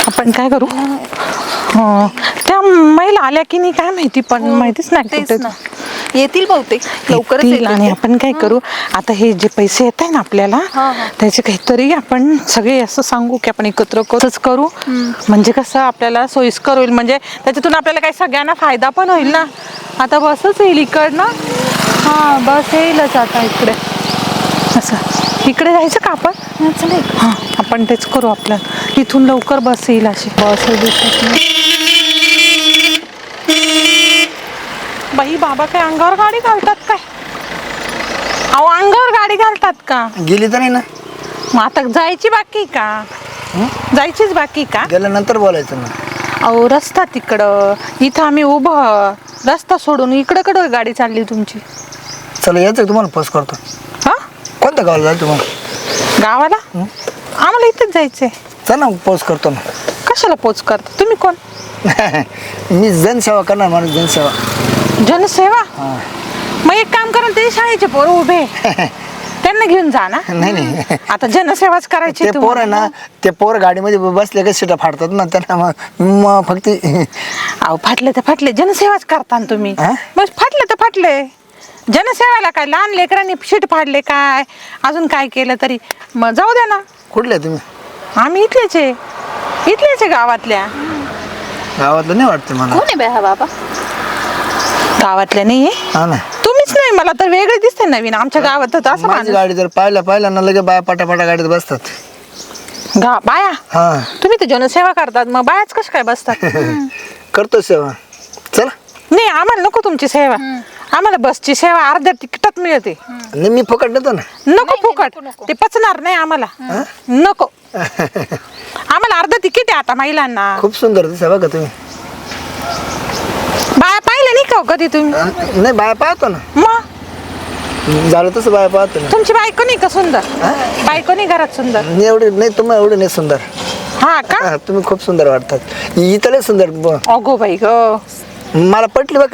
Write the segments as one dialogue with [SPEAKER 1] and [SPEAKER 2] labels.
[SPEAKER 1] आपण काय करू त्या महिला आल्या की नाही काय माहिती पण माहितीच नाही कुठे
[SPEAKER 2] येतील बहुतेक लवकरच
[SPEAKER 1] येतील. आणि आपण काय करू आता हे जे पैसे येत आहे ना आपल्याला त्याचे काहीतरी आपण सगळे असं सांगू की आपण एकत्र करू म्हणजे कसं आपल्याला सोयीस्कर होईल म्हणजे त्याच्यातून आपल्याला काही सगळ्यांना फायदा पण होईल ना. आता बसच येईल इकडनं. हा बस येईलच आता इकडे असं इकडे जायचं का आपण हा आपण तेच करू आपल्या इथून लवकर बस येईल अशी बस दिसत नाही. बाई बाबा काय अंगावर गाडी घालतात काय अहो अंगावर गाडी घालतात का
[SPEAKER 3] गेली तर नाही ना
[SPEAKER 1] मग आता जायची बाकी का जायचीच बाकी का
[SPEAKER 3] गेल्यानंतर बोलायचं ना.
[SPEAKER 1] अहो रस्ता तिकडं इथं आम्ही उभं रस्ता सोडून इकडं कडं गाडी चालली तुमची.
[SPEAKER 3] चला यायचं तुम्हाला पोस्ट करतो.
[SPEAKER 1] हा
[SPEAKER 3] कोणत्या गावाला जायचं तुम्हाला
[SPEAKER 1] गावाला आम्हाला इथेच जायचंय.
[SPEAKER 3] चल ना पोस्ट करतो ना.
[SPEAKER 1] कशाला पोच करता तुम्ही कोण
[SPEAKER 3] मी जनसेवा करणार माणूस जनसेवा.
[SPEAKER 1] जनसेवा मग एक काम करा ते शाळेचे पोरं उभे त्यांना घेऊन जा ना.
[SPEAKER 3] नाही
[SPEAKER 1] आता जनसेवाच करायची
[SPEAKER 3] ते पोर आहे ना ते पोर गाडीमध्ये बसले का सीटा फाडतात ना त्यांना मग फक्त
[SPEAKER 1] अहो फाटले तर फाटले जनसेवाच करता ना तुम्ही. बस फाटले तर फाटले जनसेवाला काय लहान लेकरांनी शीट फाडले काय अजून काय केलं तरी मग जाऊ द्या ना.
[SPEAKER 3] कुठले तुम्ही
[SPEAKER 1] आम्ही इथलेच आहे गावातल्या.
[SPEAKER 3] गावातलं नाही वाटतं मला.
[SPEAKER 2] कोण आहे बाई हा बाबा
[SPEAKER 1] गावातल्या नाही
[SPEAKER 3] हा ना
[SPEAKER 1] तुम्हीच नाही मला तर वेगळे दिसते नवीन आमच्या गावात असं
[SPEAKER 3] माझी गाडी जर पाहिला ना लगे बाया पाटापाटा गाडीत बसतात.
[SPEAKER 1] बाया
[SPEAKER 3] हा
[SPEAKER 1] तुम्ही तर जनसेवा करतात मग बायाच कशा काय बसतात.
[SPEAKER 3] करतो सेवा. चला
[SPEAKER 1] नाही आम्हाला नको तुमची सेवा आम्हाला बसची सेवा अर्ध्या तिकिटात मिळते.
[SPEAKER 3] नाही मी फुकट देतो ना.
[SPEAKER 1] नको फुकट ते पचणार नाही आम्हाला नको आम्हाला अर्ध तिकीट आहे आता महिलांना.
[SPEAKER 3] खूप सुंदर दिसा बघा तुम्ही.
[SPEAKER 1] बाया पाहिलं नाही का कधी तुम्ही
[SPEAKER 3] नाही बाया पाहतो ना.
[SPEAKER 1] मग
[SPEAKER 3] झालं तसं बाया पाहतो ना.
[SPEAKER 1] तुमची बायको नाही का सुंदर बायको नाही घरात सुंदर
[SPEAKER 3] नाही एवढे नाही तुम्हाला एवढे नाही सुंदर.
[SPEAKER 1] हा का
[SPEAKER 3] हा, तुम्ही खूप सुंदर वाटतात इथं लय सुंदर.
[SPEAKER 1] अगो बाई ग
[SPEAKER 3] मला पटली बघ.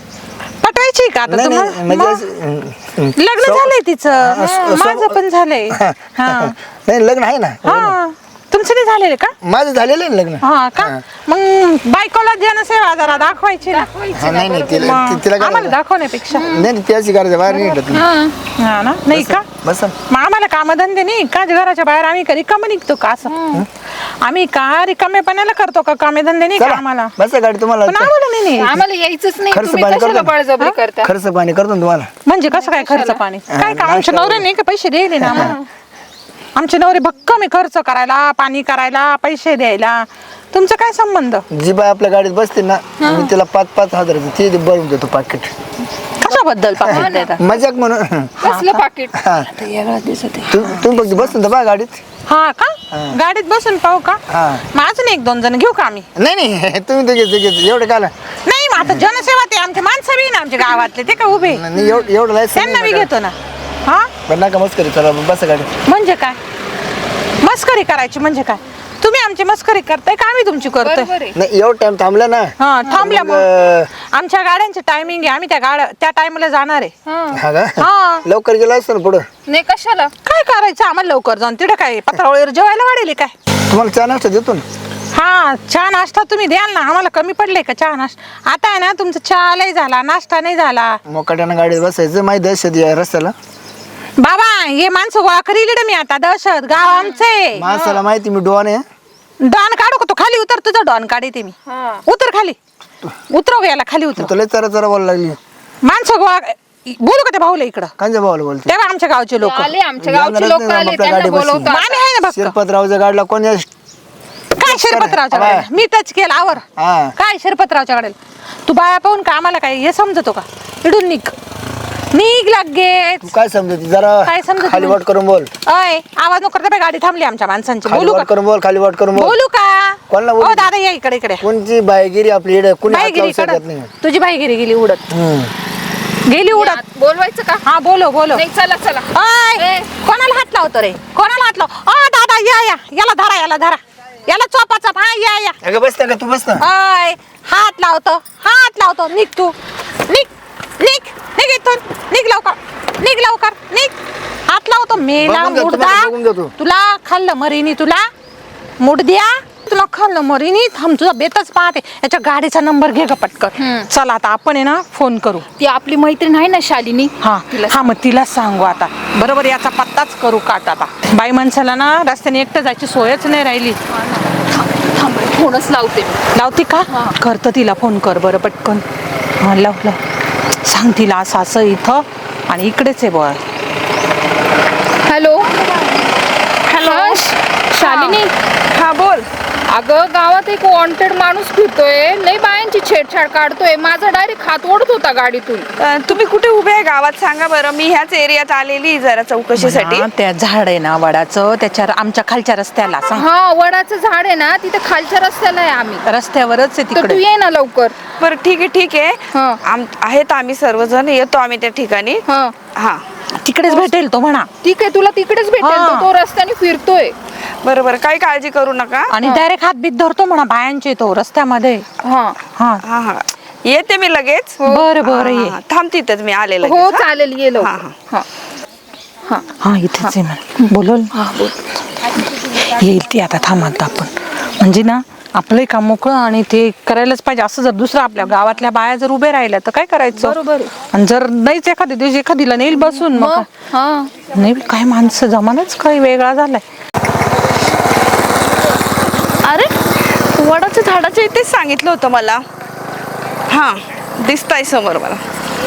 [SPEAKER 1] पटवायची का आता
[SPEAKER 3] नाही
[SPEAKER 1] तुम्हाला
[SPEAKER 3] नाही म्हणजे
[SPEAKER 1] लग्न झालंय तिचं माझं पण झालंय. हा
[SPEAKER 3] नाही लग्न आहे ना.
[SPEAKER 1] हा तुमचं नाही झालेलं का
[SPEAKER 3] माझं झालेलं आहे ना लग्न.
[SPEAKER 1] हा का मग बायकोला जनसेवा जरा दाखवायची ना.
[SPEAKER 3] हा, नाही नाही तिला
[SPEAKER 1] मग
[SPEAKER 3] तिला
[SPEAKER 1] आम्हाला दाखवण्यापेक्षा
[SPEAKER 3] नाही नाही त्याची गरज बाहेर नाही निघत.
[SPEAKER 1] हा ना नाही का
[SPEAKER 3] बस
[SPEAKER 1] मग आम्हाला कामधंदे नाही का घराच्या बाहेर आम्ही कधी कमी निघतो का असं आम्ही का रिकामेपणाला करतो का कामेधंदे नाही का आम्हाला
[SPEAKER 3] बस गाडी तुम्हाला
[SPEAKER 1] पण आम्हाला नाही
[SPEAKER 2] आम्हाला यायचंच नाही.
[SPEAKER 3] खर्च
[SPEAKER 2] तुम्ही
[SPEAKER 3] पाणी
[SPEAKER 2] कशाला
[SPEAKER 3] करतो.
[SPEAKER 2] बळजबरी करता
[SPEAKER 3] खर्च पाणी करतो ना तुम्हाला.
[SPEAKER 1] म्हणजे कसं काय खर्च पाणी काय का आमच्या नवऱ्याने का पैसे द्यायले ना आम्हाला आमचे नवरे भक्कम आहे खर्च करायला पाणी करायला पैसे द्यायला तुमचा काय संबंध.
[SPEAKER 3] जी बाय आपल्या गाडीत बसते ना मी तिला 5-5 हजाराचं ते भरून देतो पाकिट.
[SPEAKER 1] कशाबद्दल पाकिट देतात
[SPEAKER 3] मजाक म्हणून.
[SPEAKER 2] कसलं पाकिट
[SPEAKER 3] हा. तुम्ही फक्त बसून तर बा गाडीत.
[SPEAKER 1] हा का गाडीत बसून पाहू का
[SPEAKER 3] हा.
[SPEAKER 1] मग अजून 1-2 जण घेऊ का आम्ही.
[SPEAKER 3] नाही नाही तुम्ही दोघे एवढं काला
[SPEAKER 1] नाही मग आता जनसेवा ते आमचे माणसं बी ना आमच्या गावातले ते का उभे
[SPEAKER 3] नाही एवढं लायसन
[SPEAKER 1] त्यांना बी घेतो ना. हा
[SPEAKER 3] पण नका मस्करी चला बस गाडी.
[SPEAKER 1] म्हणजे काय मस्करी करायची म्हणजे काय तुम्ही आमची मस्करी करताय का आम्ही तुमची करतोय.
[SPEAKER 2] बरोबर आहे.
[SPEAKER 3] नाही एवढं टाइम थांबला ना.
[SPEAKER 1] हा थांबल्या
[SPEAKER 3] मग,
[SPEAKER 1] मग आमच्या गाड्यांचे टायमिंग आहे आम्ही त्या टाइमला जाणार आहे.
[SPEAKER 3] हा का
[SPEAKER 1] हा
[SPEAKER 3] लवकर गेला असतो ना पुढं.
[SPEAKER 2] नाही कशाला
[SPEAKER 1] काय करायचं आम्हाला लवकर जाऊन तिथे काय पत्रावळीवर जेवायला वाढेल काय.
[SPEAKER 3] तुम्हाला चहा नाश्ता देतो ना.
[SPEAKER 1] हा चहा नाश्ता तुम्ही द्याल ना आम्हाला कमी पडले का चहा नाश्ता. आता आहे ना तुमचा चहा नाही झाला नाश्ता नाही झाला.
[SPEAKER 3] मोकाट्यानं गाडीत बसायचं माहिती दहशत या रस्त्याला.
[SPEAKER 1] बाबा हे माणसं गोळा करील मी आता दहशत गाव आमचे
[SPEAKER 3] माणसाला माहिती मी डोन आहे.
[SPEAKER 1] डॉन काढू का तो खाली उतर तुझा डॉन काढते मी. उतर खाली उतरव याला खाली उतर.
[SPEAKER 3] तुला चरा चरा बोलायला लागली.
[SPEAKER 1] माणसं गोळा बोलू का त्या भाऊला इकडं
[SPEAKER 3] कांच्या भावाला बोलते.
[SPEAKER 1] तेव्हा आमच्या गावचे लोक
[SPEAKER 2] आले आमच्या गावचे लोक आले त्यांना बोलवतात.
[SPEAKER 1] मामी आहे ना बघ
[SPEAKER 3] शिरपतरावच्या गाडीला कोण
[SPEAKER 1] काय शिरपतरावच्या गाडीला मी टच केला आवर
[SPEAKER 3] हा.
[SPEAKER 1] काय शिरपतरावच्या गाडीला तू बाया पाहून का आम्हाला काय हे समजतो का इडून निघ लगेच.
[SPEAKER 3] तू काय समजत जरा
[SPEAKER 1] काय समजत
[SPEAKER 3] खाली
[SPEAKER 1] नाही?
[SPEAKER 3] वाट करून बोल.
[SPEAKER 1] अय आवाज नको करता गाडी थांबली आमच्या माणसांची
[SPEAKER 3] खाली
[SPEAKER 1] बोलू
[SPEAKER 3] वाट
[SPEAKER 1] का
[SPEAKER 3] करून बोल खाली वाट करून बोल.
[SPEAKER 1] बोलू का
[SPEAKER 3] कोणाला बोलू?
[SPEAKER 1] ओ दादा या इकडे इकडे
[SPEAKER 3] कोणची बायगिरी आपली इकडे कुणी हात
[SPEAKER 1] बाईगिरी
[SPEAKER 3] लावू शकत
[SPEAKER 1] कडक
[SPEAKER 3] नाही.
[SPEAKER 1] तुझी बाईगिरी गेली उडत गेली उडत.
[SPEAKER 2] बोलवायचं का
[SPEAKER 1] हा बोलो बोलो
[SPEAKER 2] नाही चला चला
[SPEAKER 1] अय कोणाला हात लावतो रे कोणाला हात लाव ओ दादा याला धरा याला चोपाचा हा या
[SPEAKER 3] अगं बस ना तू बस ना.
[SPEAKER 1] अय हात लावतो निघ तू निघ इथून निघ लवकर निघ हात लावतो मेला
[SPEAKER 3] बघून घे,
[SPEAKER 1] मुडदा
[SPEAKER 3] तुम्हाला बघून घे तू.
[SPEAKER 1] तुला खाल्लं मरीनी तुला मुडद्या तुला खाल्लं मरीनी थांब तुझा बेतच पाहते याच्या गाडीचा नंबर घे ग पटकन. चला आता आपण आहे ना फोन करू.
[SPEAKER 2] ती आपली मैत्रीण आहे ना शालिनी.
[SPEAKER 1] हा मग तिला सांगू आता. बरोबर याचा पत्ताच करू काट आता. बाई माणसाला ना रस्त्याने एकटं जायची सोयच नाही राहिली.
[SPEAKER 2] फोनच लावते.
[SPEAKER 1] लावते का? करतं तिला फोन कर बरं पटकन. हा लाव सांग तिला असं असं इथं आणि इकडेच आहे बघ.
[SPEAKER 2] Hello hello Shalini.
[SPEAKER 4] हा बोल.
[SPEAKER 2] अगं गावात एक वॉन्टेड माणूस फिरतोय, लई बायांची छेडछाड काढतोय. माझा डायरेक्ट हात ओढत होता गाडीतून.
[SPEAKER 4] तुम्ही कुठे उभे आहे गावात सांगा बरं. मी ह्याच एरियात आलेली जरा चौकशीसाठी.
[SPEAKER 1] त्या झाड आहे ना वडाचं त्याच्या आमच्या खालच्या रस्त्याला सांग.
[SPEAKER 2] हा वडाचं झाड आहे ना तिथे खालच्या रस्त्याला आहे आम्ही.
[SPEAKER 1] रस्त्यावरच आहे
[SPEAKER 2] तर तू
[SPEAKER 1] तिकडे.
[SPEAKER 2] ये ना लवकर.
[SPEAKER 4] बरं ठीक आहे.
[SPEAKER 2] हा.
[SPEAKER 4] आहेत आम्ही सर्वजण येतो आम्ही त्या ठिकाणी. हा
[SPEAKER 1] तिकडेच भेटेल तो म्हणा.
[SPEAKER 2] ठीक आहे तुला तिकडेच भेटेल. तो रस्त्याने फिरतोय.
[SPEAKER 4] बरोबर काही काळजी करू नका.
[SPEAKER 1] आणि डायरेक्ट हात बीत धरतो म्हणा बायांचे तो रस्त्यामध्ये.
[SPEAKER 2] हा
[SPEAKER 1] हा
[SPEAKER 4] हा हा येते मी लगेच.
[SPEAKER 1] बरं ये.
[SPEAKER 4] थांब तिथंच मी आले लगेच.
[SPEAKER 2] हो चालेल ये लवकर.
[SPEAKER 4] हा,
[SPEAKER 1] हा इथेच आहे म्हणा. बोलल येईल ती आता थांबत आपण. म्हणजे ना आपलंही काम मोकळं आणि ते करायलाच पाहिजे. असं जर दुसरं आपल्या गावातल्या बाया जर उभे राहिल्या तर काय करायचं.
[SPEAKER 2] बरोबर.
[SPEAKER 1] आणि जर नाहीच एखाद्या दिवशी एखादीला नेईल बसून मग
[SPEAKER 2] हा
[SPEAKER 1] नाही काय माणसं जमानाच काही वेगळा झालाय.
[SPEAKER 4] अरे वडाच्या झाडाच्या इथेच सांगितलं होतं मला. हा दिसताय समोर मला.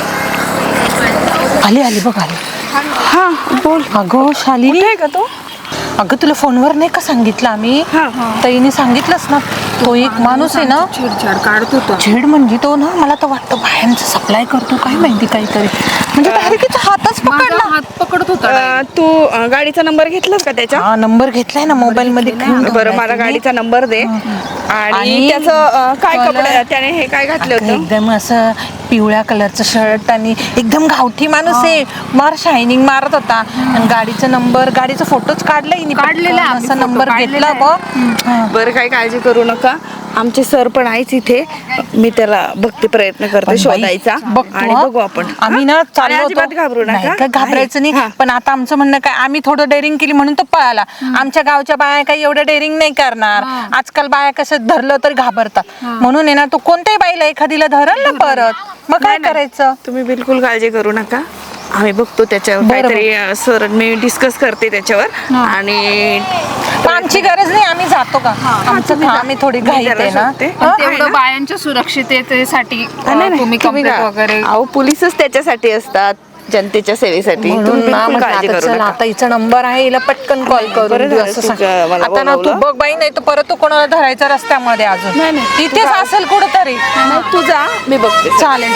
[SPEAKER 1] आली बघ आली.
[SPEAKER 4] हा बोल.
[SPEAKER 1] अगं शालिनी
[SPEAKER 4] कुठे आहे का तो?
[SPEAKER 1] अगं तुला फोनवर नाही का सांगितलं आम्ही. ताईने सांगितलंच ना तो एक माणूस आहे ना
[SPEAKER 2] छेडछाड काढत होता.
[SPEAKER 1] छेड म्हणजे तो ना मला तर वाटतं बायांचं सप्लाय करतो काय माहिती काहीतरी. म्हणजे डायरेक्ट हातच पकडला.
[SPEAKER 2] हात पकडत होता.
[SPEAKER 4] तू गाडीचा नंबर घेतलास का त्याच्या?
[SPEAKER 1] हा नंबर घेतलाय ना मोबाईल मध्ये.
[SPEAKER 4] बरं मला गाडीचा नंबर दे. आणि त्याचं काय कपडे त्याने हे काय घातलं होतं?
[SPEAKER 1] एकदम असं पिवळ्या कलरचं शर्ट आणि एकदम गावठी माणूस आहे. मार शायनिंग मारत होता. आणि गाडीचा नंबर गाडीचा फोटोच काढलाय
[SPEAKER 2] काढलेला आहे.
[SPEAKER 1] असा नंबर घेतला बघ.
[SPEAKER 4] बरं काही काळजी करू नका. आमचे सर पण आहेच इथे. मी त्याला बघते प्रयत्न करते शोधायचा. आणि बघू आपण.
[SPEAKER 1] आम्ही ना चाललो होतो.
[SPEAKER 4] अजिबात घाबरू
[SPEAKER 1] नाही
[SPEAKER 4] नका.
[SPEAKER 1] काय घाबरायचं नाही. पण आता आमचं म्हणणं काय आम्ही थोडं डेअरिंग केली म्हणून तो पळाला. आमच्या गावच्या बाया काही एवढं डेअरिंग नाही करणार. आजकाल बाया कसं धरलं तर घाबरतात. म्हणून आहे ना तो कोणत्याही बाईला एखादीला धरल ना परत मग काय करायचं.
[SPEAKER 4] तुम्ही बिलकुल काळजी करू नका. आम्ही बघतो त्याच्यावर काहीतरी. सर मी डिस्कस करते त्याच्यावर. आणि
[SPEAKER 1] आमची गरज नाही आम्ही जातो का. आमचं आम्ही थोडी घाईत आहे ना.
[SPEAKER 2] तेवढं बायांच्या सुरक्षिततेसाठी तुम्ही कंप्लेंट वगैरे.
[SPEAKER 4] अहो पोलीसच त्याच्यासाठी असतात जनतेच्या सेवेसाठी. तुम्ही बिलकुल काळजी करू नका.
[SPEAKER 1] आता हिचा नंबर आहे हिला पटकन कॉल करून असं सांग. आता ना तू बघ बाई नाही तर परत तू कोणाला धरायचा रस्त्यामध्ये अजून तिथेच असेल कुठंतरी.
[SPEAKER 4] तू जा मी बघते.
[SPEAKER 1] चालेल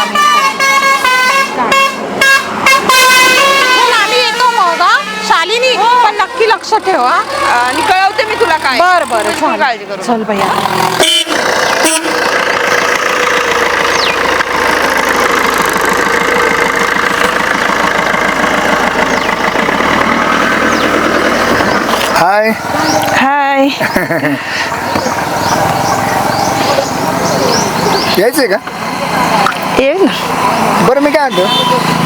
[SPEAKER 1] आम्ही येतो मग. शालिनी पण नक्की लक्ष ठेवा.
[SPEAKER 4] आणि कळवते मी तुला काय.
[SPEAKER 1] बरं
[SPEAKER 4] बिलकुल काळजी करू
[SPEAKER 1] चल भैया.
[SPEAKER 3] हाय
[SPEAKER 4] हाय.
[SPEAKER 3] यायचंय का?
[SPEAKER 4] ये ना.
[SPEAKER 3] बरं मी काय म्हणतो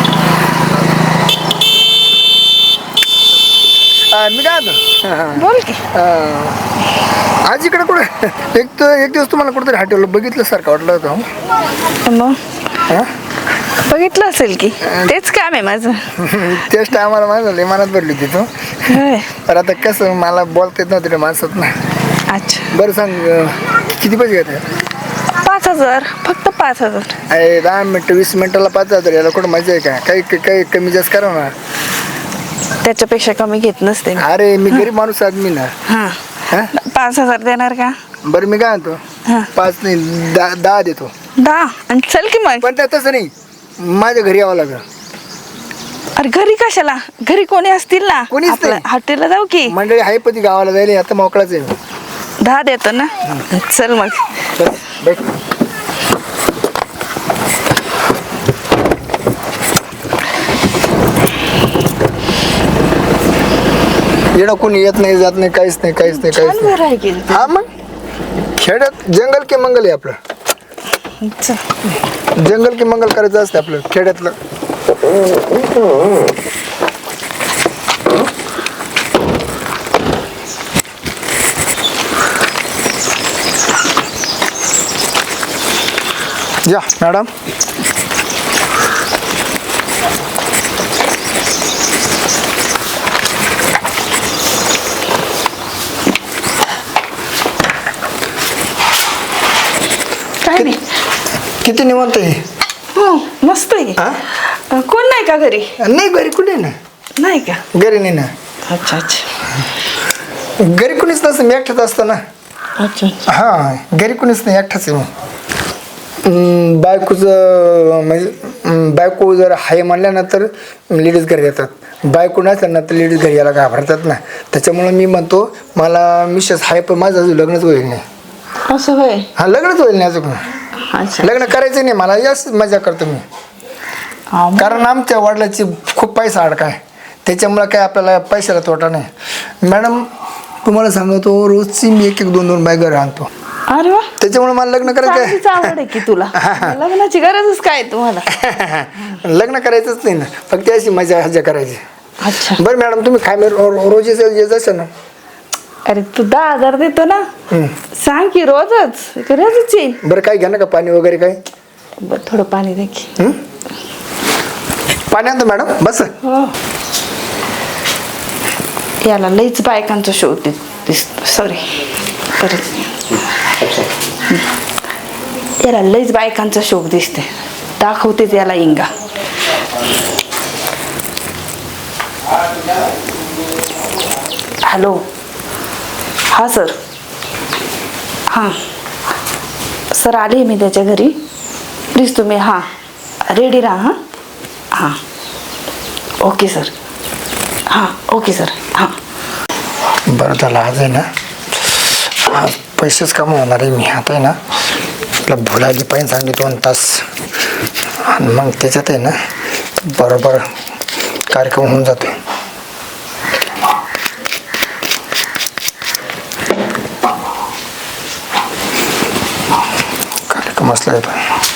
[SPEAKER 3] मी काय म्हणतो
[SPEAKER 4] बोल की.
[SPEAKER 3] आज इकडे कुठे एक दिवस तुम्हाला कुठेतरी हॉटेल बघितलं सारखं वाटलं होतं.
[SPEAKER 4] मग
[SPEAKER 3] हा?
[SPEAKER 4] बघितलं असेल की तेच काम आहे माझं.
[SPEAKER 3] तेच टायमाला माझं लय मनात भरली होती तू. तर आता कसं मला बोलता येत नव्हतं रे माणसात ना.
[SPEAKER 4] अच्छा
[SPEAKER 3] बरं सांग किती पैसे घेते?
[SPEAKER 4] 5,000 फक्त 5,000.
[SPEAKER 3] अरे 10 मिनटं 20 मिनिटाला 5,000 याला कुठं मजा आहे का? काही कमी जास्त करा ना.
[SPEAKER 4] त्याच्यापेक्षा कमी घेत नसते.
[SPEAKER 3] अरे मी गरीब माणूस आदमी ना.
[SPEAKER 4] हा 5,000 देणार का?
[SPEAKER 3] बरं मी काय म्हणतो 5 नाही 10 देतो.
[SPEAKER 4] 10 आणि चल की मग.
[SPEAKER 3] पण तसं नाही माझ्या घरी यावं लागलं.
[SPEAKER 4] अरे घरी कशाला? घरी कोणी असतील ना.
[SPEAKER 3] कोणीच नाही.
[SPEAKER 4] हॉटेलला जाऊ की.
[SPEAKER 3] मंडळी आहे पण ती गावाला जायला आता मोकळाच आहे.
[SPEAKER 4] 10 देतो ना. चल मग.
[SPEAKER 3] चल बैठ. येणं कोणी येत नाही जात नाही काहीच नाही.
[SPEAKER 4] बरं आहे की.
[SPEAKER 3] हा मग खेड्यात जंगल के मंगल आहे आपलं. जंगल के मंगल करायचं असतं आपलं खेड्यातलं. या मॅडम.
[SPEAKER 4] काय नाही.
[SPEAKER 3] किती निवांत आहे.
[SPEAKER 4] हो मस्त आहे.
[SPEAKER 3] हा?
[SPEAKER 4] कोण नाही का घरी?
[SPEAKER 3] नाही घरी कुठे ना.
[SPEAKER 4] नाही का?
[SPEAKER 3] घरी नाही ना.
[SPEAKER 4] अच्छा अच्छा.
[SPEAKER 3] घरी कुणीच नसतं, मी एकटाच असतो ना.
[SPEAKER 4] अच्छा.
[SPEAKER 3] हां घरी कुणीच नाही, एकटाच आहे मग. बायकोचं म्हणजे बायको जर हाय म्हणल्यानंतर लेडीज घरी येतात, बायको नसल्या ना तर लेडीज घरी यायला घाबरतात ना. त्याच्यामुळं मी म्हणतो मला मिसेस हाय पण माझं अजून लग्नच होईल नाही.
[SPEAKER 4] असं होय.
[SPEAKER 3] हां लग्नच होईल नाही अजून.
[SPEAKER 4] अच्छा.
[SPEAKER 3] लग्न करायचं नाही मला, याच मजा करतो मी.
[SPEAKER 4] हा, मग.
[SPEAKER 3] कारण आमच्या वडिलाची खूप पैसा अडकाय, त्याच्यामुळं काय आपल्याला पैशाला तोटा नाही. मॅडम तुम्हाला सांगतो रोजची मी एक एक दोन दोन बाय घरी आणतो.
[SPEAKER 4] अरे वा.
[SPEAKER 3] त्याच्यामुळे मला लग्न
[SPEAKER 4] चांगलीच आवड आहे की तुला. लग्नाची गरजच काय तुम्हाला?
[SPEAKER 3] लग्न करायचंच नाही ना, फक्त अशी मजा हजा करायची.
[SPEAKER 4] अच्छा.
[SPEAKER 3] बरं मॅडम तुम्ही काय रोज येत असेल ना.
[SPEAKER 4] अरे तू 10,000 देतो ना, सांग की रोजच येईल.
[SPEAKER 3] बरं काय घ्या ना का पाणी वगैरे काय.
[SPEAKER 4] बरं थोडं पाणी दे की.
[SPEAKER 3] पाणी आणतो मॅडम बस.
[SPEAKER 4] हो. याला लईच बायकांचा शोध दिसतो. सॉरी परत. याला लईच बायकांचा शोक दिसते. दाखवते त्याला इंगा. हॅलो. हा सर. हां सर आले मी त्याच्या घरी. प्लीज तुम्ही हां रेडी राहा. हां हां ओके सर. हां ओके सर. हां
[SPEAKER 3] बरं त्याला आज आहे ना, आज पैसेच कमवणार आहे मी. आता आहे ना आपला भुलाली पाहिजे चांगली 2 तास, आणि मग त्याच्यात आहे ना बरोबर कार्यक्रम होऊन जातो. कार्यक्रम असला येतो.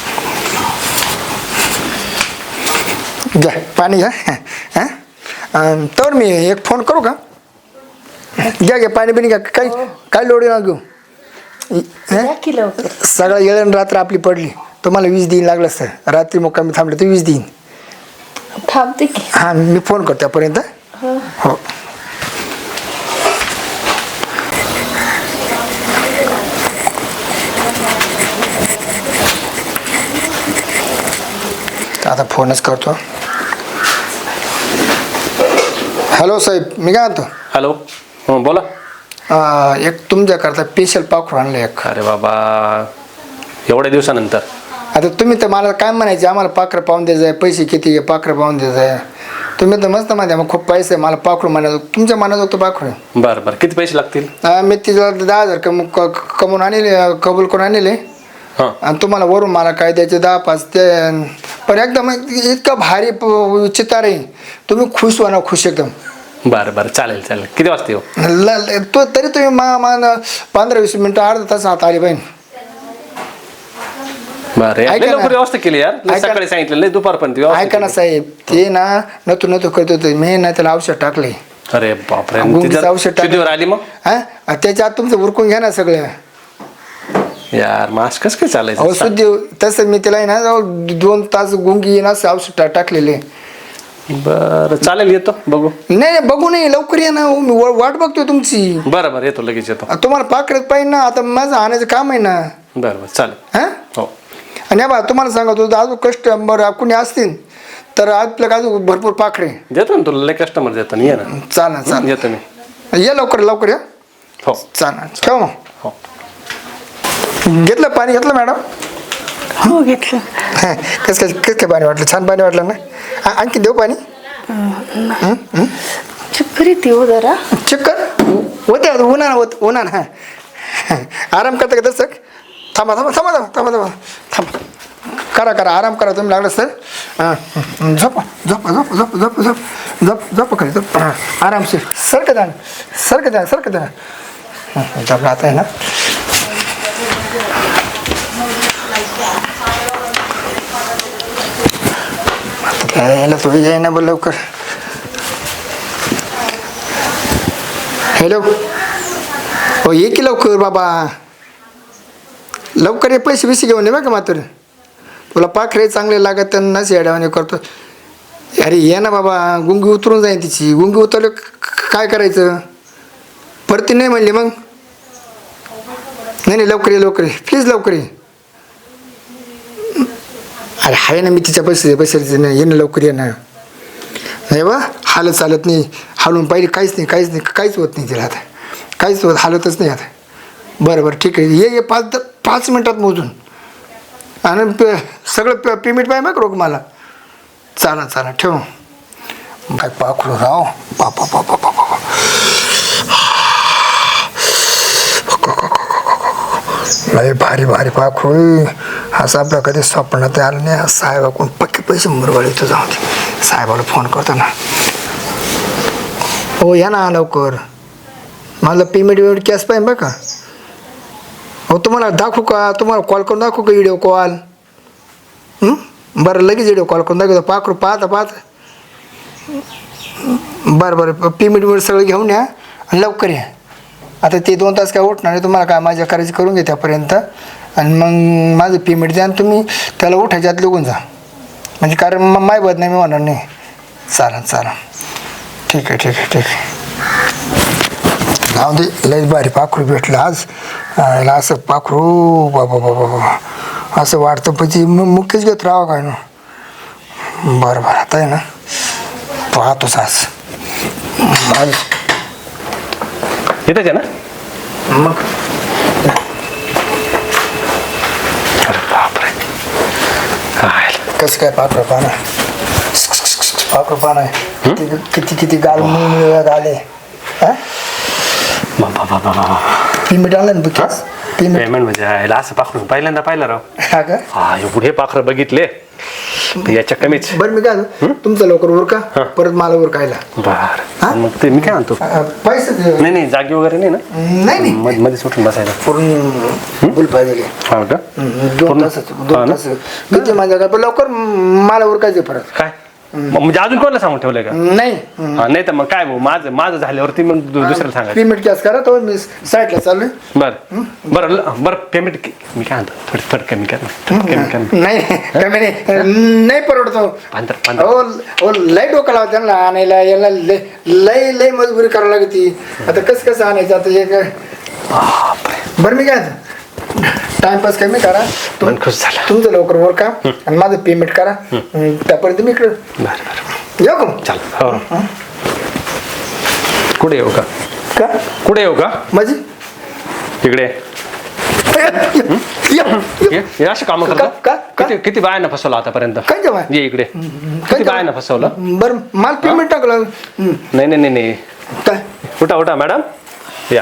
[SPEAKER 3] घ्या पाणी घ्या. हां तर मी एक फोन करू का. घ्या घ्या पाणी बिणी घ्या. काही काय लोड ना घेऊ. सगळं येळण रात्र आपली पडली. तुम्हाला 20 दिन लागलं सर. रात्री मुक्कामी थांबले तर 20 दिन
[SPEAKER 4] थांबते की.
[SPEAKER 3] हां मी फोन करतो त्यापर्यंत. हो आता फोनच करतो. हॅलो साहेब मी काय म्हणतो.
[SPEAKER 5] हॅलो. हो बोला.
[SPEAKER 3] एक तुमच्याकरता स्पेशल पाखरू आणलं एक.
[SPEAKER 5] अरे बाबा एवढ्या दिवसानंतर.
[SPEAKER 3] आता तुम्ही तर मला काय म्हणायचे, आम्हाला पाखरं पाहून द्यायचं आहे, पैसे किती आहे पाखरं पाहून द्यायचं आहे. तुम्ही तर मस्त म्हणते मग खूप पैसे आहे, मला पाखरू म्हणायचं. तुमच्या मनात तो पाखरू.
[SPEAKER 5] बरं बरं किती पैसे लागतील.
[SPEAKER 3] मी तिला 10,000 कमवून आणले, कबूल करून आणले.
[SPEAKER 5] हां
[SPEAKER 3] आणि तुम्हाला वरून मला काय द्यायचे 10-5 ते. पण एकदम इतकं भारी चितार आहे, तुम्ही खुश व्हा ना, खुश एकदम.
[SPEAKER 5] बरं बरं चालेल चालेल. किती वाजता येऊ.
[SPEAKER 3] तो तरी तुम्ही मान 15-20 मिनिटं अर्धा तास आत आली पाहिजे.
[SPEAKER 5] बरं
[SPEAKER 3] ऐका
[SPEAKER 5] लय
[SPEAKER 3] ना.
[SPEAKER 5] लवकर व्यवस्था केली यार. लय
[SPEAKER 3] ऐका.
[SPEAKER 5] सकाळी सांगितलं लय दुपारपर्यंत व्यवस्था
[SPEAKER 3] ऐका ना
[SPEAKER 5] केली.
[SPEAKER 3] साहेब, ते ना नतो करत होते मी ना, त्याला औषध टाकले.
[SPEAKER 5] अरे बापरे.
[SPEAKER 3] गुंगीचं औषध टाकलं.
[SPEAKER 5] शुद्धीवर आली मग.
[SPEAKER 3] हा त्याच्या आत तुमचं उरकून घ्या ना सगळं.
[SPEAKER 5] यार मास्क कसं काय चालायचं.
[SPEAKER 3] औषध तसं मी त्याला आहे ना 2 तास गुंगी ना औषध टाकलेले.
[SPEAKER 5] बरं चालेल येतो बघू.
[SPEAKER 3] नाही बघू नाही, लवकर या ना. मी वाट बघतोय तुमची.
[SPEAKER 5] बरं बरं येतो लगेच येतो.
[SPEAKER 3] तुम्हाला पाकडेत पाहिजे ना, आता माझं आणायचं काम आहे ना.
[SPEAKER 5] बरं बरं चालेल.
[SPEAKER 3] हा
[SPEAKER 5] हो
[SPEAKER 3] आणि बा तुम्हाला सांगतो अजून कस्टमर कुणी असतील तर आपल्या अजून भरपूर पाखरे
[SPEAKER 5] देतो ना तुला. लय कस्टमर देतो ना. ये ना.
[SPEAKER 3] चालेल
[SPEAKER 5] येतो मी.
[SPEAKER 3] या लवकर या.
[SPEAKER 5] हो
[SPEAKER 3] चालेल ठेव मग.
[SPEAKER 5] हो.
[SPEAKER 3] घेतलं पाणी घेतलं मॅडम.
[SPEAKER 4] हो घेतलं.
[SPEAKER 3] कसं काय पाणी वाटलं. छान पाणी वाटलं ना. आणखी देऊ पाणी.
[SPEAKER 4] चक्कर येते हो जरा.
[SPEAKER 3] चक्कर होते उन्हान. हा आराम करता का तसं. थांबा करा आराम करा तुम्ही लागलं सर. झोप खाली झोप. आरामशीर सरकत द्या. झोपला आता आहे ना. यायला थोडी जाई ना बोल लवकर. हॅलो हो ये की लवकर बाबा. लवकर ये पैसे घेऊन ये बघा मात्र. तुला पाखरे चांगले लागत त्यांना शेड्यावाने करतो. अरे ये ना बाबा, गुंगी उतरून जाईन तिची. गुंगी उतरलं काय करायचं? परती नाही म्हणली मग. नाही लवकर ये लवकर ये प्लीज लवकर ये. अरे आहे ना मी तिच्या बसायचं नाही. ये ना लवकर ये ना. नाही बा हालत चालत नाही. हालून पाहिजे काहीच होत नाही तिला आता. काहीच होत हालतच नाही आता. बरं ठीक आहे. ये 5 मिनटात मोजून. आणि सगळं पेमेंट पाहिजे मग रोग मला. चालेल ठेव. बाय पाखरू राव. बापा लय भारी पाखरू. असं आपल्या कधी स्वप्नात आलं नाही. साहेबाकडून पक्के पैसे मुरवाळे इथं जाऊ दे. साहेबाला फोन करतो ना. हो या ना लवकर. माझं पेमेंट कॅश पाहिजे बघा. हो तुम्हाला दाखवू का? तुम्हाला कॉल करून दाखवू का? Video call. बरं लगेच व्हिडिओ कॉल करून दाखवतो. पाखरू पाहता बरं पेमेंट सगळं घेऊन या आणि लवकर या. आता ते 2 तास काय उठणार नाही. तुम्हाला काय माझ्या करायची करून घ्या त्यापर्यंत. आणि मग माझं पेमेंट द्या आणि तुम्ही त्याला उठायच्या आत लिहून जा. म्हणजे कारण मग माय बद नाही मी होणार नाही. चालेल ठीक आहे. जाऊ दे. लयच भारी पाखरू भेटलं आज. असं पाखरू बाबा असं वाटतं પછી मुख्यच घेत राहावं काय ना. बरं आता आहे ना पाहतोच आज.
[SPEAKER 5] येतच आहे ना
[SPEAKER 3] मग
[SPEAKER 5] अरे बापरे काय
[SPEAKER 3] कसं काय पाखरू पाहणं आहे. किती गाल मिळत आले.
[SPEAKER 5] बाबा
[SPEAKER 3] पेमेंट आणलं ना बुकेस.
[SPEAKER 5] पेमेंट म्हणजे याला असं पाखरू पहिल्यांदा पाहिलं राव.
[SPEAKER 3] हा का?
[SPEAKER 5] हा एवढे पाखरं बघितले याच्या कमीच.
[SPEAKER 3] बरं मी काय तुमचं लवकर उरका. परत मला उरकायला.
[SPEAKER 5] बर मग ते मी काय म्हणतो
[SPEAKER 3] पैसे
[SPEAKER 5] नाही जागी वगैरे नाही ना.
[SPEAKER 3] नाही
[SPEAKER 5] मध्ये सुटून बसायला
[SPEAKER 3] पूर्ण गुल पाहिजे.
[SPEAKER 5] हा का
[SPEAKER 3] 2 तास किती माझ्या काय पण लवकर मला उरकायचं परत.
[SPEAKER 5] काय म्हणजे अजून कोणाला सांगून ठेवलंय का?
[SPEAKER 3] नाही
[SPEAKER 5] नाही तर मग काय माझं झाल्यावरती मग दुसऱ्याला सांगायचं.
[SPEAKER 3] पेमेंट कॅश करा तो मी साईडला चालू.
[SPEAKER 5] बरं पेमेंट मी काय म्हणतो थोडी कमी कर.
[SPEAKER 3] नाही कमी नाही परवडतो. हो लय डोकं लावा त्यांना आणायला याला लय मजबुरी करावं लागते. आता कसं आणायचं आता हे काय. बरं मी काय टाइमपास कमी करा.
[SPEAKER 5] खुश झाला
[SPEAKER 3] तुमचं लवकर वर का आणि माझं पेमेंट करा. त्यापर्यंत मी इकडे येऊ का?
[SPEAKER 5] चाल हो कुठे येऊ का? कुठे येऊ का?
[SPEAKER 3] माझी
[SPEAKER 5] तिकडे अशी कामं करतो. किती बायांना फसवलं आतापर्यंत?
[SPEAKER 3] काय जेव्हा
[SPEAKER 5] ये इकडे. किती बायांना फसवलं?
[SPEAKER 3] बरं मला पेमेंट टाकलं.
[SPEAKER 5] नाही
[SPEAKER 3] काय
[SPEAKER 5] उठा मॅडम या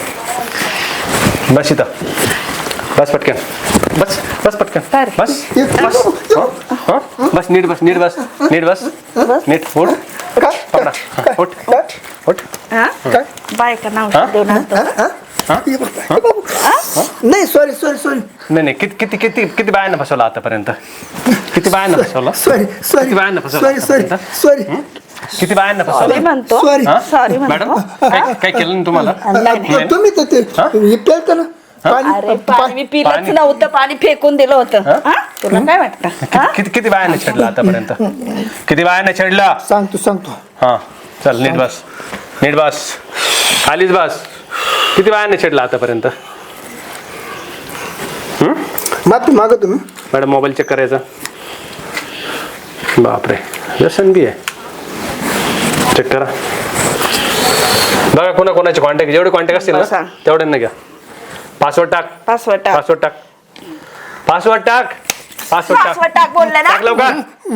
[SPEAKER 5] बस इथं. बस पटकन बस पटकन बस नीट बस नीट उठ पकडा उठ
[SPEAKER 4] बायका नाव
[SPEAKER 3] नाही सॉरी
[SPEAKER 5] नाही किती बायांना फसवलं आतापर्यंत? किती बायांना फसवलं?
[SPEAKER 3] सॉरी
[SPEAKER 5] किती बायांना फसवलं
[SPEAKER 4] म्हणतो. सॉरी
[SPEAKER 5] मॅडम काय केलं ना तुम्हाला?
[SPEAKER 3] तुम्ही तर ते पेलता ना
[SPEAKER 4] अरे पाणी मी पिलंच नव्हतं. पाणी फेकून दिलं होतं. तुला काय वाटतं?
[SPEAKER 5] किती बायांना छेडलं आतापर्यंत? किती बायांना छेडलं?
[SPEAKER 3] सांगतो.
[SPEAKER 5] हा चल नीट बस खालीच बस. किती बायांना छेडलं आतापर्यंत?
[SPEAKER 3] माफी मागा तुम्ही.
[SPEAKER 5] मॅडम मोबाईल चेक करायचा. बापरे व्यसन बी आहे. चेक करा बघा कोणाचे कॉन्टॅक्ट जेवढे कॉन्टॅक्ट असतील ना तेवढ्यांना घ्या. पासवर्ड टाक
[SPEAKER 4] बोलला ना.
[SPEAKER 5] टाक लवकर.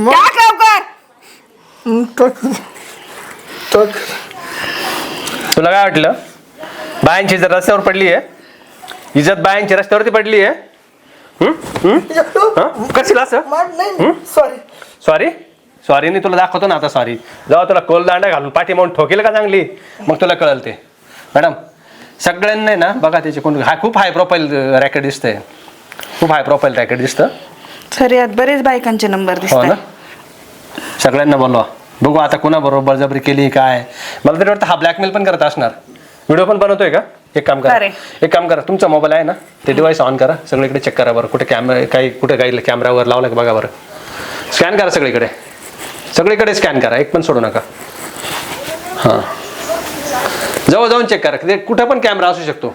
[SPEAKER 5] तुला काय वाटलं बायांची इज्जत रस्त्यावर पडली आहे? इज्जत बायांची रस्त्यावरती पडली आहे. करशील असं? सॉरी नाही तुला दाखवतो ना आता. सॉरी जेव्हा तुला कोलदांडा घालून पाठी म्हणून ठोकेल का चांगली मग तुला कळलं ते. मॅडम सगळ्यांना ना बघा त्याचे कोण खूप हाय प्रोफाईल रॅकेट दिसतंय. खूप हाय प्रोफाईल रॅकेट दिसतं.
[SPEAKER 4] सर यात बरेच बायकांचे नंबर
[SPEAKER 5] हो ना.
[SPEAKER 4] दिसतात.
[SPEAKER 5] सगळ्यांना बोलवा बघू आता कोणाबरोबर बळजबरी केली काय. मला तरी वाटतं हा ब्लॅकमेल पण करत असणार. व्हिडिओ पण बनवतोय का? एक काम करा,
[SPEAKER 4] अरे.
[SPEAKER 5] एक काम करा, तुमचा मोबाईल आहे ना, ते डिव्हाइस ऑन करा, सगळीकडे चेक करा बरं, कुठे कॅमेरा काही कॅमेरावर लावला का बघा बरं. स्कॅन करा सगळीकडे स्कॅन करा, एक पण सोडू नका. हां, जवळ जाऊन चेक करा, ते कुठं पण कॅमेरा असू शकतो.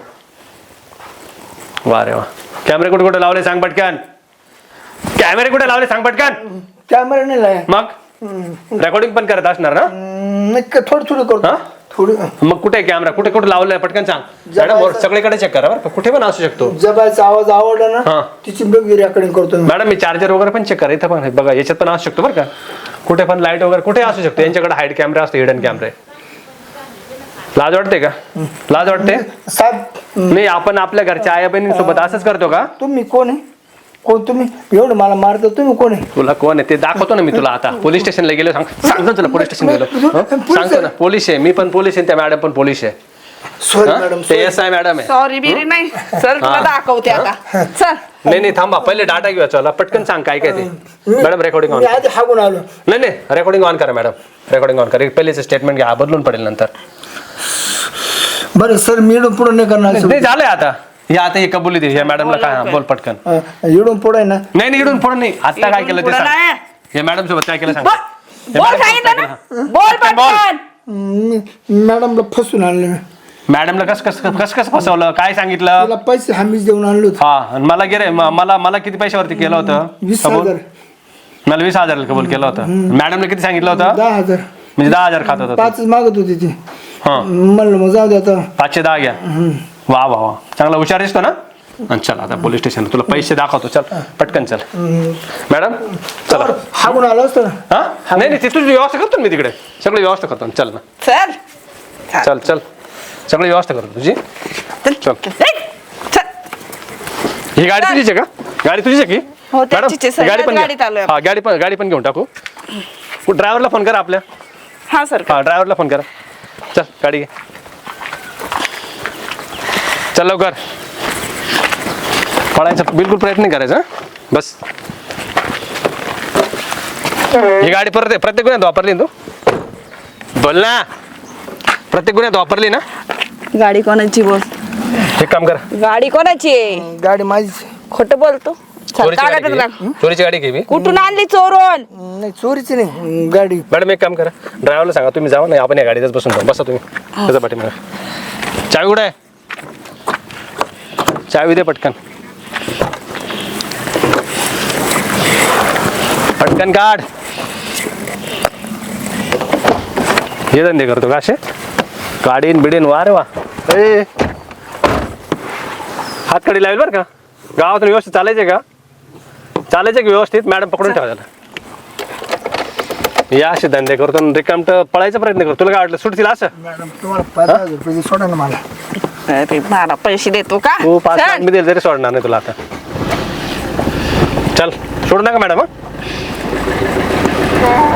[SPEAKER 5] वा रे वा. कॅमेरे कुठे कुठे लावले सांग पटकन. कॅमेरे कुठे लावले सांग पटकन.
[SPEAKER 3] कॅमेरा नाही लाय.
[SPEAKER 5] मग रेकॉर्डिंग पण करत असणार ना.
[SPEAKER 3] नाही थोडं करतो. थोडं.
[SPEAKER 5] मग कुठे कॅमेरा कुठे लावलाय पटकन सांग मॅडम. सगळीकडे चेक करा बरं, कुठे पण असू शकतो.
[SPEAKER 3] जबायचा आवाज आवडला
[SPEAKER 5] हा.
[SPEAKER 3] ना तिची रेकॉर्डिंग करतो मी.
[SPEAKER 5] मॅडम मी चार्जर वगैरे पण चेक करा, इथं पण बघा, याच्यात पण असू शकतो बरं का. कुठे पण लाईट वगैरे कुठे असू शकतो. यांच्याकडे हाईड कॅमेरा असतो, हिडन कॅमेरे. लाज वाटते का? लाज वाटते?
[SPEAKER 3] साहेब
[SPEAKER 5] नाही, आपण आपल्या घरच्या आया बहिणींसोबत असंच करतो का?
[SPEAKER 3] तुम्ही कोण आहे? कोण तुम्ही? एवढं मला मारतो, तुम्ही कोण आहे?
[SPEAKER 5] तुला कोण आहे ते दाखवतो ना मी तुला आता. पोलीस स्टेशनला गेलो, सांगतो तुला पोलीस स्टेशन गेलो. सांगतो ना, पोलीस आहे, मी पण पोलीस आहे, त्या मॅडम पण पोलीस आहे.
[SPEAKER 3] Sorry madam.
[SPEAKER 5] ते SI मॅडम आहे.
[SPEAKER 4] सॉरी बिरी नाही सर, तुला दाखवते आता. चल.
[SPEAKER 5] नाही थांबा, पहिले डाटा घेऊया. चला पटकन सांग काय काय ते. Madam recording on.
[SPEAKER 3] मी आधी हागून आलो.
[SPEAKER 5] नाही रेकॉर्डिंग ऑन करा मॅडम, रेकॉर्डिंग ऑन करा. पहिलेच स्टेटमेंट घ्या, बदलून पडेल नंतर.
[SPEAKER 3] बरं सर, मी इडून पुढे नाही करणार.
[SPEAKER 5] नाही झालंय आता. हे आता हे कबुली दे या मॅडमला. काय बोल पटकन.
[SPEAKER 3] इडून पुढे ना.
[SPEAKER 5] नाही इडून पुढे नाही. आता काय केलं ते सांग.
[SPEAKER 4] नाही.
[SPEAKER 5] हे मॅडम सोबत काय केलं सांग.
[SPEAKER 4] बोल सांगितलं ना, बोल पटकन.
[SPEAKER 3] मॅडमला फसून आणलं मी.
[SPEAKER 5] मॅडमला कस फसवलं, काय सांगितलं?
[SPEAKER 3] तिला पैसे हमीच देऊन आणलो.
[SPEAKER 5] हा, आणि मला गेले मला किती पैशावरती केलं होतं?
[SPEAKER 3] 20,000.
[SPEAKER 5] मला 20,000 कबूल केलं होतं. मॅडमने किती सांगितलं होतं?
[SPEAKER 3] 10,000.
[SPEAKER 5] म्हणजे 10,000 खात होतं.
[SPEAKER 3] 5 मागत होती ती.
[SPEAKER 5] हा,
[SPEAKER 3] म्हणलं मग जाऊ दे आता.
[SPEAKER 5] 510 घ्या. वा चांगला हुशार दिसतो ना. चल आता पोलीस स्टेशन तुला पैसे दाखवतो. चल पटकन चल. मॅडम चला.
[SPEAKER 3] हागून आलो असतो ना.
[SPEAKER 5] हा, नाही ते तुझी व्यवस्था करतो मी तिकडे. सगळी व्यवस्था करतो. चल ना. चल सगळी व्यवस्था करतो तुझी. चल. ही गाडी तुझीच आहे का? गाडी तुझीच आहे की?
[SPEAKER 4] हो, त्याचीच आहे, सर.
[SPEAKER 5] गाडी पण
[SPEAKER 4] गाडीत आलोय.
[SPEAKER 5] हा, गाडी पण घेऊन टाकू. ड्रायव्हरला फोन करा आपल्या.
[SPEAKER 4] हा सर.
[SPEAKER 5] हा, ड्रायव्हरला फोन करा. चल गाडी घे. चल लवकर. पळायचा बिलकुल प्रयत्न नाही करायचा. बस. ही गाडी प्रत्येक गुन्ह्यात वापरली ना तू? बोल ना. प्रत्येक गुन्ह्यात वापरली ना?
[SPEAKER 4] गाडी कोणाची बोल?
[SPEAKER 5] एक काम कर.
[SPEAKER 4] गाडी कोणाची आहे?
[SPEAKER 3] गाडी माझी.
[SPEAKER 4] खोटं बोलतो. चल,
[SPEAKER 5] चोरीची
[SPEAKER 4] कागद
[SPEAKER 5] गाडी
[SPEAKER 4] दाख.
[SPEAKER 5] घे. चोरीची गाडी घे मी.
[SPEAKER 4] कुठून आणली चोरून?
[SPEAKER 3] नाही चोरीची नाही गाडी.
[SPEAKER 5] मॅडम एक काम करा, ड्रायव्हरला सांगा तुम्ही जावा नाही, आपण या गाडीतच बसून जाऊ. बसा तुम्ही त्याच्या पाठीमागे. चावी कुठे आहे? चावी दे पटकन. पटकन काढ. हे धंदे करतो का असे? गाडीन बिडीन वा रे वा. हात कडी लावेल बरं का. गावातून व्यवस्थित चालायचे का? चालायचे की व्यवस्थित? मॅडम पकडून ठेवा त्याला. या असे धंदे करतो रिकामट पळायचा प्रयत्न करतो. तुला काय वाटलं सुटतील असं?
[SPEAKER 3] मॅडम तुम्हाला 5,000 रुपये सोडा ना मला.
[SPEAKER 4] अरे मला पैसे देतो का?
[SPEAKER 5] तू 5 लाख
[SPEAKER 4] चल.
[SPEAKER 5] मी दिले तरी सोडणार नाही तुला आता. चल सोडू नका मॅडम.